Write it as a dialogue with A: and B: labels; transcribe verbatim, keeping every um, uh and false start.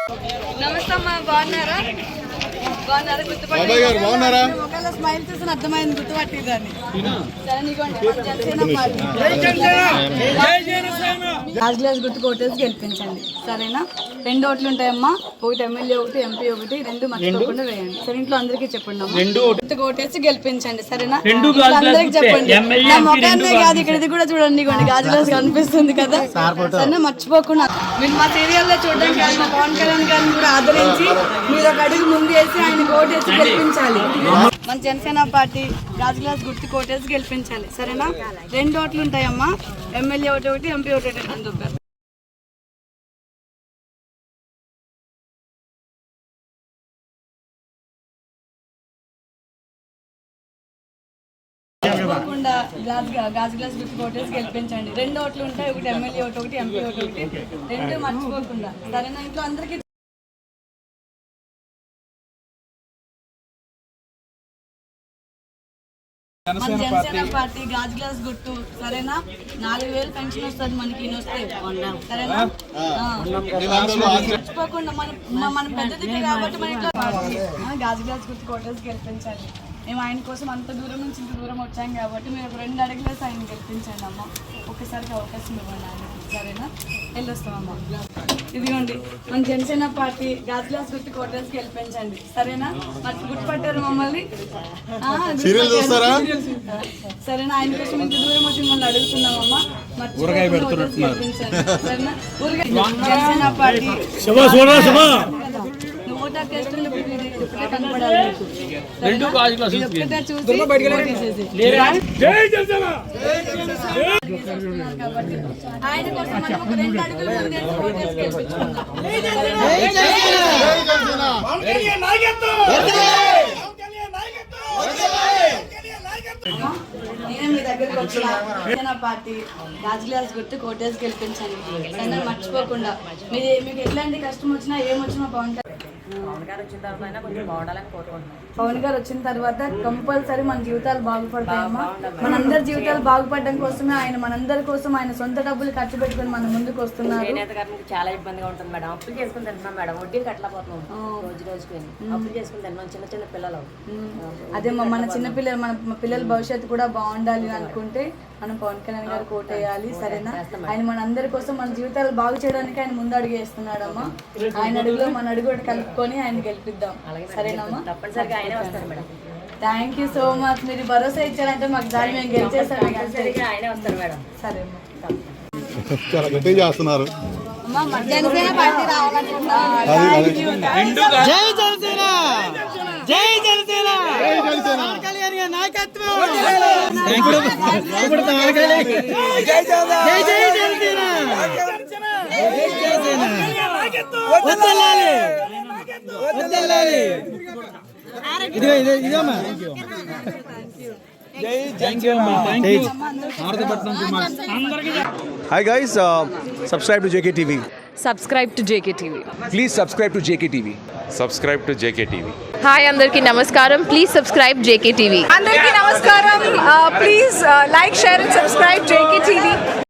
A: నమస్తే అమ్మా, బాగున్నారా? బాగున్నారా?
B: బాగున్నారా?
A: ఒకవేళ స్మైల్ చూసిన అర్థమైంది, గుర్తుపట్టిందని. సరే నీకోండి, గ్లాస్ గ్లాస్ గుర్తు కోటేసి గెలిపించండి, సరేనా? రెండు ఓట్లు ఉంటాయమ్మా, ఒకటి ఎమ్మెల్యే ఒకటి ఎంపీ ఒకటి, రెండు మర్చిపోకుండా వేయండి. సరే ఇంట్లో అందరికీ చెప్పండి అమ్మా, గుర్తు కోటేసి గెలిపించండి, సరేనా? అందరికి చెప్పండి. నా మొఖాన్నే కాదు, ఇక్కడ ఇది కూడా చూడండి, ఇవ్వండి గాజు గ్లాస్ కనిపిస్తుంది కదా, సరేనా? మర్చిపోకుండా మీరు మా సీరియల్లో చూడడానికి కానీ మా పవన్ కళ్యాణ్ గారిని కూడా ఆదరించి మీరు ఒక అడుగు ముందు వేసి ఆయన కోటేసి గెలిపించాలి. మన జనసేన పార్టీ గాజు గ్లాస్ గుర్తు కోటేసి గెలిపించాలి, సరేనా? రెండు ఓట్లు ఉంటాయమ్మా, ఎమ్మెల్యే ఒకటి ఒకటి ఎంపీ ఒకటి రెండు. తప్పకుండా గ్లాస్ గాజు గ్లాస్ గుర్తు కోటేసి గెలిపించండి. రెండు ఓట్లు ఉంటాయి, ఒకటి ఎమ్మెల్యే ఒకటి ఒకటి ఎంపీ ఒకటి ఒకటి, రెండు మర్చిపోకుండా, సరేనా? ఇంట్లో అందరికీ మన జనసేన పార్టీ గాజు గ్లాస్ గుర్తు, సరేనా? నాలుగు వేలు పెన్షన్ వస్తుంది మనకి, వస్తే సరేనా? మర్చిపోకుండా మన మన పెద్దదికే కాబట్టి మన ఇంట్లో గాజు గ్లాస్ గుర్తు కోటేసి గెలిపించండి. మేము ఆయన కోసం అంత దూరం నుంచి ఇంత దూరం వచ్చాం కాబట్టి మీరు ఒక రెండు అడుగులేసి ఆయన గెలిపించండి అమ్మ. ఒక్కసారికి అవకాశం ఇవ్వండి ఆయనకి, సరేనా? వెళ్ళొస్తామమ్మా. ఇదిగోండి మన జనసేన పార్టీ గాజు గ్లాస్ గుర్తు కోటేసి గెలిపించండి, సరేనా? మరి గుర్తుపట్టారు మమ్మల్ని, సరేనా? ఆయన కోసం ఇంత దూరం వచ్చి మిమ్మల్ని అడుగుతున్నామమ్మా, గెలిపించండి, సరేనా? జనసేన పార్టీ ఆయన కోసం మనం ఒక రెండు అడుగులు నేను మీ దగ్గరికి వచ్చిన జనసేన పార్టీ గాజు గ్లాస్ గుర్తు కోటేసి గెలిపించండి, సరేనా? మర్చిపోకుండా మీరు మీకు ఎట్లాంటి కష్టం వచ్చినా ఏమొచ్చినా పవన్
C: పవన్ గారు వచ్చిన తర్వాత కొంచెం బాగుండాలని కోరుకుంటున్నాం.
A: పవన్ గారు వచ్చిన తర్వాత కంపల్సరీ మన జీవితాలు బాగుపడతాయమ్మా. మనందరి జీవితాలు బాగుపడడం కోసమే ఆయన మనందరి కోసం ఆయన సొంత డబ్బులు ఖర్చు పెట్టుకుని మన ముందుకు వస్తున్నారు.
C: చేనేత గారికి చాలా ఇబ్బందిగా ఉంటుంది మేడం, అప్పులు చేసుకుని తింటున్నాం మేడం, వడ్డీలు కట్టలేకపోతున్నాం, రోజు రోజుకి అప్పులు చేసుకుని తింటున్నాం, చిన్న చిన్న పిల్లలు.
A: అదే మన చిన్న పిల్లలు మన పిల్లల భవిష్యత్తు కూడా బాగుండాలి అనుకుంటే మనం పవన్ కళ్యాణ్ గారు కోటేయాలి, సరేనా? ఆయన మనందరి కోసం మన జీవితాలు బాగు చేయడానికి ఆయన ముందు అడుగు వేస్తున్నాడమ్మా. ఆయన అడుగులో మన అడుగు కలుపుకొని ఆయన గెలిపిద్దాం, సరేనమ్మా?
C: తప్పనిసరిగా ఆయనే వస్తారు madam.
A: Thank you so much. మీరు భరోసా ఇచ్చారంటే మాకు దాన్ని మేము గెలిచేస్తాం,
C: ఆయనే వస్తారు మేడం.
A: సరే
B: చాలా గట్టిగా చేస్తున్నారు.
A: జనసేన పార్టీ రావాలనుకుంటున్నాం.
D: జై జనసేన, జై జనసేన, పవన్ కళ్యాణ్ గారి నాయకత్వం, జై జై జనసేన, జై జనసేన, వదలాలి వదలాలి. ఇదిగో ఇదే ఇదమ్మా.
E: Hi guys, uh, subscribe to J K T V.
F: Subscribe to J K T V.
E: Please subscribe to J K T V.
G: Subscribe to J K T V.
F: Hi andarki namaskaram. Please subscribe J K T V.
H: Andarki namaskaram. Please like, share and subscribe J K T V.